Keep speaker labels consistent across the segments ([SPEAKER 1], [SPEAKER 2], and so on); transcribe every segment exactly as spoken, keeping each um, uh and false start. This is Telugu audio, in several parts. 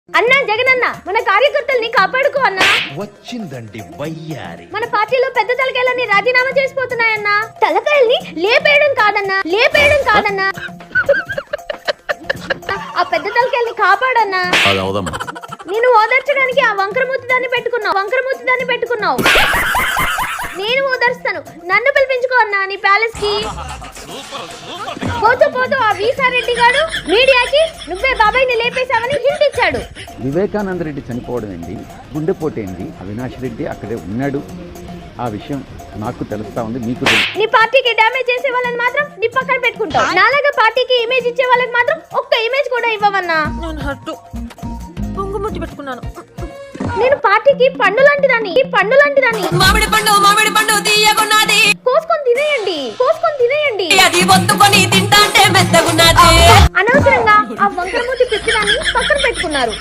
[SPEAKER 1] అన్నా జగనన్న మన కార్యకర్తల్ని కాపాడుకో అన్నా.
[SPEAKER 2] వచ్చిందండి వయ్యారి.
[SPEAKER 1] మన పార్టీలో పెద్ద తలకాయలన్నీ రాజీనామా చేసిపోతున్నాయన్నా. తలకాయల్ని లేపేయడం కాదన్నా, లేపేయడం కాదన్నా, ఆ పెద్ద తలకాయల్ని కాపాడన్నా. నేను ఓదార్చడానికి ఆ వంకరమూతి దాన్ని పెట్టుకున్నావు, వంకరమూతి దాన్ని పెట్టుకున్నావు. నేను ఓదార్స్తాను, నన్ను పిలిపించుకో అన్నా నీ ప్యాలెస్ కి. పోతూ పోతూ ఆ వీసారెడ్డి గారు మీడియాకి నువ్వే బాబాయ్ని లేపేశావని హింట్ ఇచ్చాడు.
[SPEAKER 3] వివేకానంద రెడ్డి చనిపోవడం ఏంటి, గుండెపోటు ఏంటి, అవినాష్ రెడ్డి అక్కడే ఉన్నాడు. ఆ విషయం నాకు తెలుస్తా ఉంది, మీకు తెలుసు.
[SPEAKER 1] నీ పార్టీకి డ్యామేజ్ చేసే వాళ్ళని మాత్రం నీ పక్కన పెట్టుకుంటావు. నాలాగా పార్టీకి ఇమేజ్ ఇచ్చే వాళ్ళకి మాత్రం ఒక్క ఇమేజ్ కూడా ఇవ్వవన్నా.
[SPEAKER 4] పొంగుముట్టి పెట్టుకున్నాను.
[SPEAKER 1] నేను పార్టీకి పండు లాంటి దాన్ని, పండు లాంటి దాన్ని.
[SPEAKER 4] మామిడి పండు మామిడి పండు తీయగున్నది,
[SPEAKER 1] కోసుకొని తినేయండి, కోసుకొని తినేయండి.
[SPEAKER 4] అది ఒత్తుకొని తింటాంటే మెత్తగున్నది.
[SPEAKER 1] అనవసరంగా ఆ వంకరమూతి పిచ్చిదాన్ని పక్కన పెట్టుకున్నారు.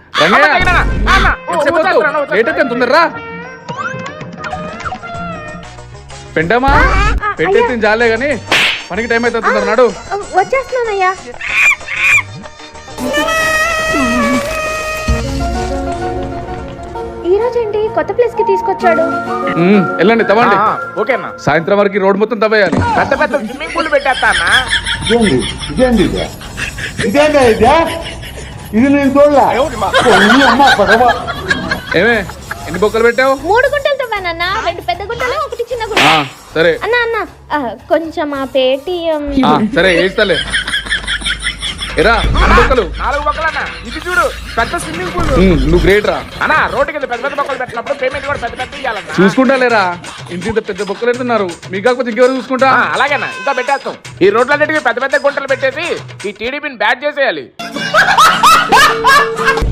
[SPEAKER 5] పెండమా పెట్టేసి జాలే గాని పనికి టైం అయితే నాడు
[SPEAKER 1] వచ్చేస్తున్నానయ్యా. ఈ రోజు ఏంటి కొత్త ప్లేస్ కి తీసుకొచ్చాడు?
[SPEAKER 5] వెళ్ళండి తవ్వండి.
[SPEAKER 6] ఓకేనా?
[SPEAKER 5] సాయంత్రం వరకు రోడ్ మొత్తం తవ్వేయాలి.
[SPEAKER 6] పెద్ద పెద్ద స్విమ్మింగ్ పూల్ పెట్టేస్తా అన్న.
[SPEAKER 7] ఇదేంది ఇదేంది ఇదే ఇదేందా ఇదే ఇది నేను చూడలే. అమ్మ పడవ
[SPEAKER 5] ఏమే ఎన్ని బొక్కలు పెట్టావు?
[SPEAKER 1] మూడు గుంటలు తవ్వానన్నా, రెండు పెద్ద గుంటలు ఒకటి చిన్న గుంట.
[SPEAKER 5] ఆ, సరే
[SPEAKER 1] అన్నా అన్న కొంచెం ఆ పేటిఎం.
[SPEAKER 5] ఆ, సరే వేస్తాలే. ఎరా ఎన్ని బొక్కలు?
[SPEAKER 6] నాలుగు బొక్కలు అన్న. ఇది చూడు పెద్ద స్విమ్మింగ్ పూల్.
[SPEAKER 5] ఉమ్, నువ్వు గ్రేట్ రా.
[SPEAKER 6] అన్న రోడ్డు కింద పెద్ద పెద్ద బొక్కలు పెట్టినప్పుడు పేమెంట్ కూడా పెద్ద పెద్ద ఇవ్వాలన్నా.
[SPEAKER 5] చూసుకుంటా లేరా, ఇంత ఇంత పెద్ద బొక్కలు పెడుతున్నారు. మీకు కాకపోతే ఇంకెవరు చూసుకుంటా?
[SPEAKER 6] అలాగేనా, ఇంకా పెట్టేస్తాం. ఈ రోడ్లన్నిటికీ పెద్ద పెద్ద గుంటలు పెట్టేసి ఈ టీడీపీని బ్యాట్ చేసేయాలి.